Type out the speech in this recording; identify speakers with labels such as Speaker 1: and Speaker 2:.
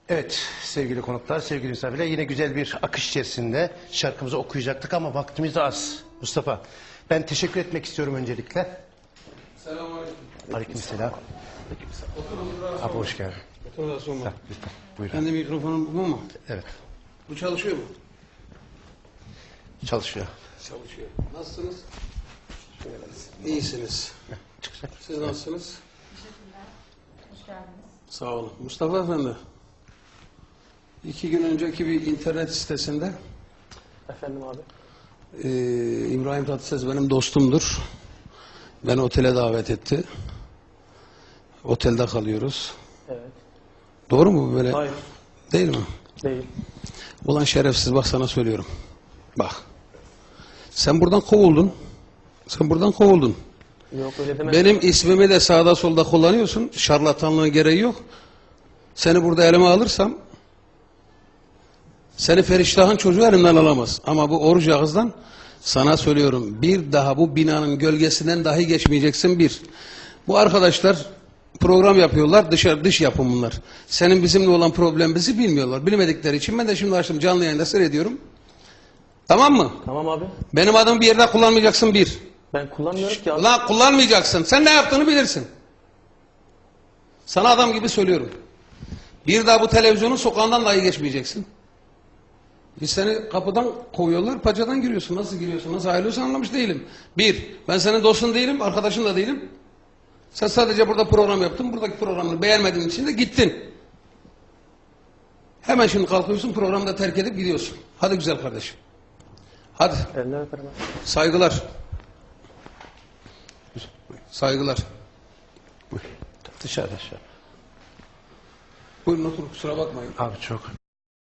Speaker 1: Evet sevgili konuklar, sevgili misafirler, yine güzel bir akış içerisinde şarkımızı okuyacaktık ama vaktimiz de az. Mustafa, ben teşekkür etmek istiyorum öncelikle.
Speaker 2: Selamünaleyküm.
Speaker 1: Aleykümselam. Abi hoş geldin.
Speaker 2: Otur da sorma.
Speaker 1: Lütfen buyurun.
Speaker 2: Kendi mikrofonum bu mu?
Speaker 1: Evet,
Speaker 2: Bu çalışıyor mu?
Speaker 1: çalışıyor.
Speaker 2: Çalışıyor. Nasılsınız? İyisiniz.
Speaker 1: Çıkacak.
Speaker 2: Siz nasılsınız?
Speaker 3: Hoş geldiniz.
Speaker 2: Sağ olun. Mustafa Efendi. 2 gün önceki bir internet sitesinde
Speaker 4: Efendim abi.
Speaker 2: İbrahim Tatlıses benim dostumdur. Beni otele davet etti. Otelde kalıyoruz.
Speaker 4: Evet.
Speaker 2: Doğru mu bu böyle?
Speaker 4: Hayır.
Speaker 2: Değil mi?
Speaker 4: Değil.
Speaker 2: Ulan şerefsiz, bak sana söylüyorum. Bak. Sen buradan kovuldun. Sen buradan kovuldun.
Speaker 4: Yok öyle demedim.
Speaker 2: Benim ismimi de sağda solda kullanıyorsun. Şarlatanlığın gereği yok. Seni burada elime alırsam seni Feriştah'ın çocuğu elimden alamaz. Ama bu oruç ağızdan sana söylüyorum. Bir daha bu binanın gölgesinden dahi geçmeyeceksin bir. Bu arkadaşlar program yapıyorlar. Dış yapım bunlar. Senin bizimle olan problemimizi bilmiyorlar. Bilmedikleri için ben de şimdi açtım canlı yayında seyrediyorum. Tamam mı?
Speaker 4: Tamam abi.
Speaker 2: Benim adımı bir yerde kullanmayacaksın bir.
Speaker 4: Ben kullanmıyorum ki abi.
Speaker 2: Ulan kullanmayacaksın. Sen ne yaptığını bilirsin. Sana adam gibi söylüyorum. Bir daha bu televizyonun sokağından dahi geçmeyeceksin. Biz seni kapıdan kovuyorlar, paçadan giriyorsun. Nasıl giriyorsun, nasıl ayrılıyorsun anlamış değilim. Bir, ben senin dostun değilim, arkadaşın da değilim. Sen sadece burada program yaptın, buradaki programını beğenmediğin için de gittin. Hemen şimdi kalkıyorsun, programı da terk edip gidiyorsun. Hadi güzel kardeşim. Hadi.
Speaker 4: Eller öperim abi.
Speaker 2: Saygılar. Saygılar.
Speaker 1: Dışarıda şu.
Speaker 2: Buyurun oturun, kusura bakmayın.
Speaker 1: Abi çok.